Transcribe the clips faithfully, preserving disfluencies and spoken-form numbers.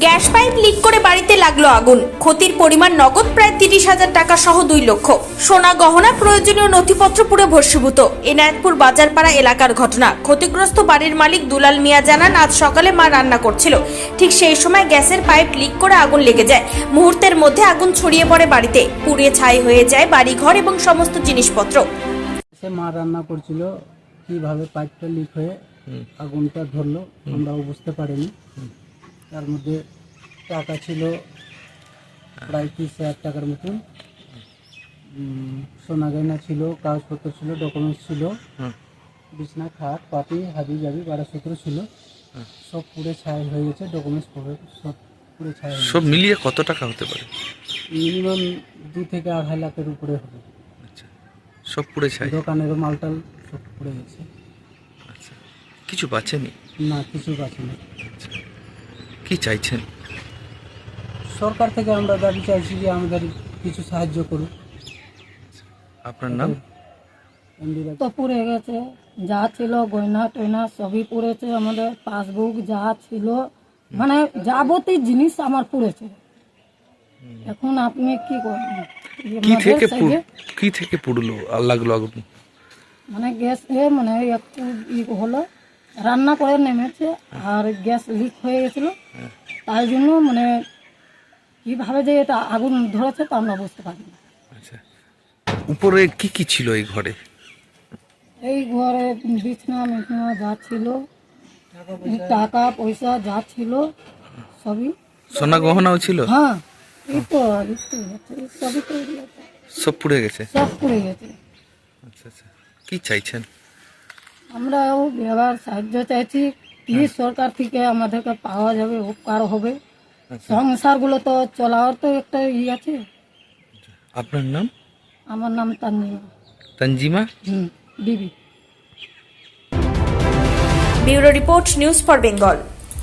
Gas pipe leak করে বাড়িতে লাগলো আগুন। ক্ষতির পরিমাণ নগদ প্রায় তিরিশ হাজার টাকা সহ দুই লক্ষ। সোনা গহনা প্রয়োজনীয় নথিপত্র পুরো ভস্মীভূত। এনায়েতপুর বাজারপাড়া এলাকার ঘটনা। ক্ষতিগ্রস্ত বাড়ির মালিক দুলাল মিয়া জানান, আজ সকালে মা রান্না করছিল, ঠিক সেই সময় গ্যাসের পাইপ লিক করে আগুন লেগে যায়। মুহূর্তের মধ্যে আগুন ছড়িয়ে পড়ে বাড়িতে, পুড়ে ছাই হয়ে যায় বাড়িঘর এবং সমস্ত জিনিসপত্র। সে মা রান্না করছিল, কিভাবে পাইপটা লিক হয়ে আগুনটা ধরলো আমরাও বুঝতে পারিনি। তার মধ্যে টাকা ছিল প্রায় তিরিশ হাজার টাকার মতন, সোনা গয়না ছিল, কাগজপত্র ছিল, ডকুমেন্টস ছিল, বিছনা খাট পাটি হাবি জাবি বারাসূত্র ছিল, সব পুড়ে ছাই হয়ে গেছে। ডকুমেন্টস সব পুড়ে ছাই হয়ে সব মিলিয়ে কত টাকা হতে পারে? মিনিমাম দু থেকে আড়াই লাখের উপরে হবে। আচ্ছা, সব পুড়ে ছাই। দোকানেরও মালটাল সব পুড়ে গেছে। আচ্ছা, কিছু বাঁচেনি? না, কিছু বাঁচেনি। আচ্ছা, কি চাইছেন? সরকার থেকে আমরা দাবি চাইছি যে আমাদের কিছু সাহায্য করুক। আপনার নাম? তো পুড়ে গেছে, যা ছিল গয়না টয়না সবই পুড়েছে, আমাদের পাসবুক যা ছিল, মানে যাবতীয় জিনিস আমার পুড়েছে। এখন আপনি কি করবেন? কি থেকে পুড়- কি থেকে পুড়লো আর লাগলো আগুন? মানে গ্যাস এ মানে একটু ই হলো, রান্না করে নেমেছে আর গ্যাস লিক হয়ে গেছিল, তাই জন্য মানে কিভাবে যে এটা আগুন ধরেছে তা আমরা বুঝতে পারি না। আচ্ছা, উপরে কি কি ছিল এই ঘরে? এই ঘরে বিছনা মিছনা যা ছিল, টাকা পয়সা যা ছিল সবই। সোনা গহনাও ছিল? হ্যাঁ, এই তো এই তো এই সবই তো এগুলো সব পুড়ে গেছে? সব পুড়ে গেছে। আচ্ছা আচ্ছা, কি চাইছেন? আমরাও ব্যবহার সাহায্য চাইছি, কি সরকার থেকে আমাদেরকে পাওয়া যাবে, উপকার হবে। সংসারগুলো তো চলার তো একটা ই আছে। আপনার নাম? আমার নাম তানজিমা। তঞ্জিমা হুম, বিবি। Bureau report, news for Bengal.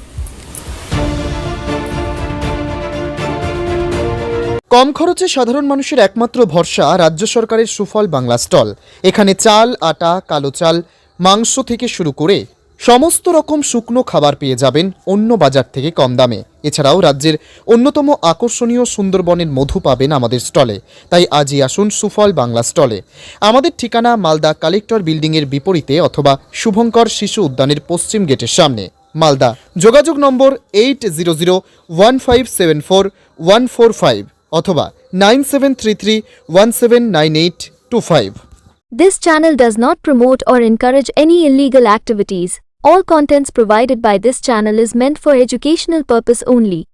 কম খরচে সাধারণ মানুষের একমাত্র ভরসা রাজ্য সরকারের সুফল বাংলা স্টল। এখানে চাল, আটা, কালো চাল, মাংস থেকে শুরু করে সমস্ত রকম শুকনো খাবার পেয়ে যাবেন অন্য বাজার থেকে কম দামে। এছাড়াও রাজ্যের অন্যতম আকর্ষণীয় সুন্দরবনের মধু পাবেন আমাদের স্টলে। তাই আজই আসুন সুফল বাংলা স্টলে। আমাদের ঠিকানা মালদা কালেক্টর বিল্ডিংয়ের বিপরীতে অথবা শুভঙ্কর শিশু উদ্যানের পশ্চিম গেটের সামনে, মালদা। যোগাযোগ number eight zero zero one five seven four one four five অথবা nine seven three three one seven nine eight two five. This channel does not promote or encourage any illegal activities. All contents provided by this channel is meant for educational purpose only.